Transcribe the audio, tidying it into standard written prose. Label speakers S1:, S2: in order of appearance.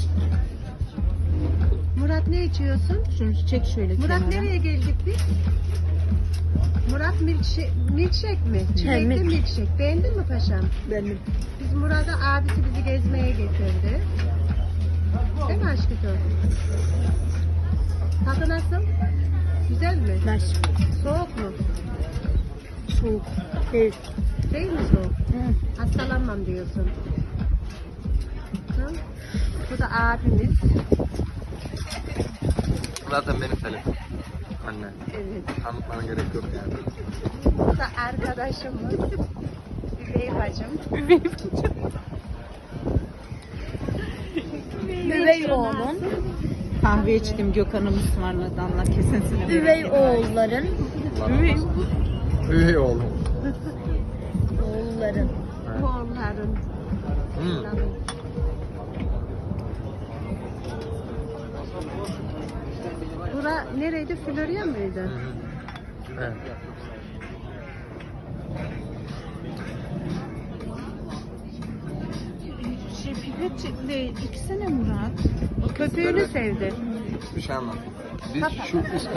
S1: Murat ne içiyorsun?
S2: Şunu çek şöyle
S1: Murat
S2: kenara.
S1: nereye geldik biz? Murat milkshake mi? Çilekli
S2: milk.
S1: milkshake. Beğendin mi paşam?
S2: Benim.
S1: Biz Murat'a abisi bizi gezmeye getirdi. Değil mi aşkım? Tadı nasıl? Güzel mi?
S2: Ver.
S1: Soğuk mu?
S2: Soğuk. Değil.
S1: Değil mi soğuk?
S2: Hı.
S1: Hastalanmam diyorsun. Hı? Bu da abimiz.
S3: Zaten benim telefon. Anne.
S1: Evet.
S3: Tanıtmana gerek yok yani.
S1: Bu da arkadaşımız. Üvey bacım.
S2: Üvey oğlum.
S4: Kahve içtim Gökhan'ım ısmarladı Allah kesesini.
S2: Üvey oğulların.
S3: Üvey oğlum.
S2: Oğulların.
S1: Oğulların. Bura nereydi? Florya mıydı?
S3: Evet.
S4: Pipet değil. İki sene Murat.
S1: Köpüğünü sevdi.
S3: Bir şey anlat. Biz
S1: Kapat.
S3: şu üst